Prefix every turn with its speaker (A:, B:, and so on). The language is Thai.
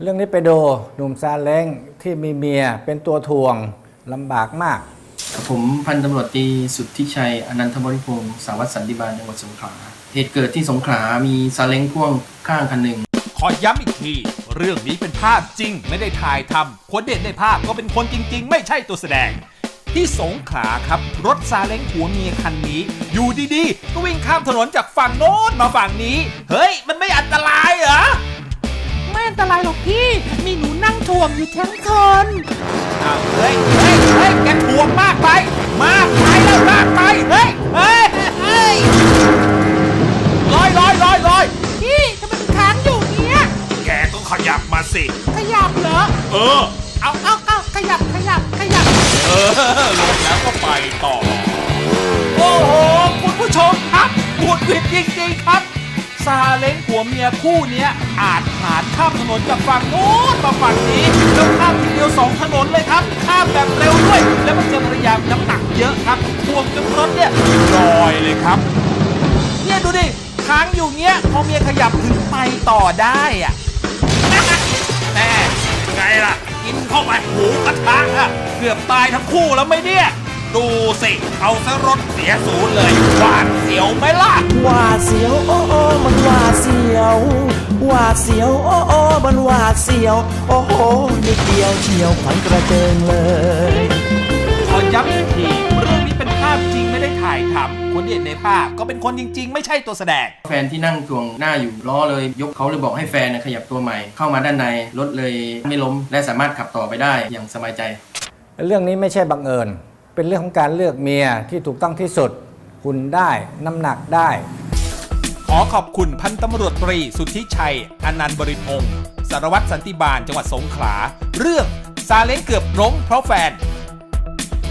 A: เรื่องนี้ไปดูหนุ่มซาเล้งที่มีเมียเป็นตัวถ่วงลำบากมาก
B: ผมพันตำรวจตรีสุทธิชัยอนันทบริพงศ์สารวัตรสันติบาลจังหวัดสงขลาเหตุเกิดที่สงขลามีซาเล้งพ่วงข้างคันหนึ่ง
C: ขอย้ำอีกทีเรื่องนี้เป็นภาพจริงไม่ได้ถ่ายทำคนเด่นในภาพก็เป็นคนจริงๆไม่ใช่ตัวแสดงที่สงขลาครับรถซาเล้งผัวเมียคันนี้อยู่ดีๆก็วิ่งข้ามถนนจากฝั่งโน้นมาฝั่งนี้เฮ้ยมันไม่อันตรายเหรอ
D: ไม่อันตรายหรอกพี่มีหนูนั่งถ่วงอยู่ทั้งคน
C: เฮ้ยแกถ่วงมากไปแล้วมากไปเฮ้ยลอย
D: พี่ทำไมมันค้างอยู่เนี้ย
C: แกก็ขยับมาสิ
D: ขยับเหรอเอาขยับลง
C: แล้วก็ไปต่อโอ้โหคุณผู้ชมครับพูดผิดจริงๆครับซาเล้งผัวเมียคู่นี้อาจผ่านข้ามถนนจากฝั่งโน้นมาฝั่งนี้แล้วข้ามทีเดียว2ถนนเลยครับข้ามแบบเร็วด้วยแล้วมันเจอภรรยาน้ำหนักเยอะครับถ่วงจนรถเนี่ยลอยเลยครับเนี่ยดูดิค้างอยู่เงี้ยพอเมียขยับถึงไปต่อได้อะแน่ไงล่ะกินเข้าไปหูกระทะอะเกือบตายทั้งคู่แล้วไหมเนี่ยดูสิเอาซะรถเสียศูนย์เลยหวาดเสียวไหมล่ะ
E: หวาดเสียวโอ้มันหวาดเสียวหวาดเสียวโอ้มันหวาดเสียวโอ้โหนิดเดียวเฉียวขวัญกระเจิงเลย
C: ขอย้ำอีกทีเรื่องนี้เป็นภาพจริงไม่ได้ถ่ายทำคนที่เห็นในภาพก็เป็นคนจริงๆไม่ใช่ตัวแสดง
B: แฟนที่นั่งถ่วงหน้าอยู่ล้อเลยยกเขาเลยบอกให้แฟนขยับตัวใหม่เข้ามาด้านในรถเลยไม่ล้มและสามารถขับต่อไปได้อย่างสบายใจ
A: เรื่องนี้ไม่ใช่บังเอิญเป็นเรื่องของการเลือกเมียที่ถูกต้องที่สุดหุ่นได้น้ำหนักได้
C: ขอขอบคุณพันตำรวจตรีสุทธิชัยอนันต์บริพงศ์สารวัตรสันติบาลจังหวัดสงขลาเรื่องซาเล้งเกือบล้มเพราะแฟน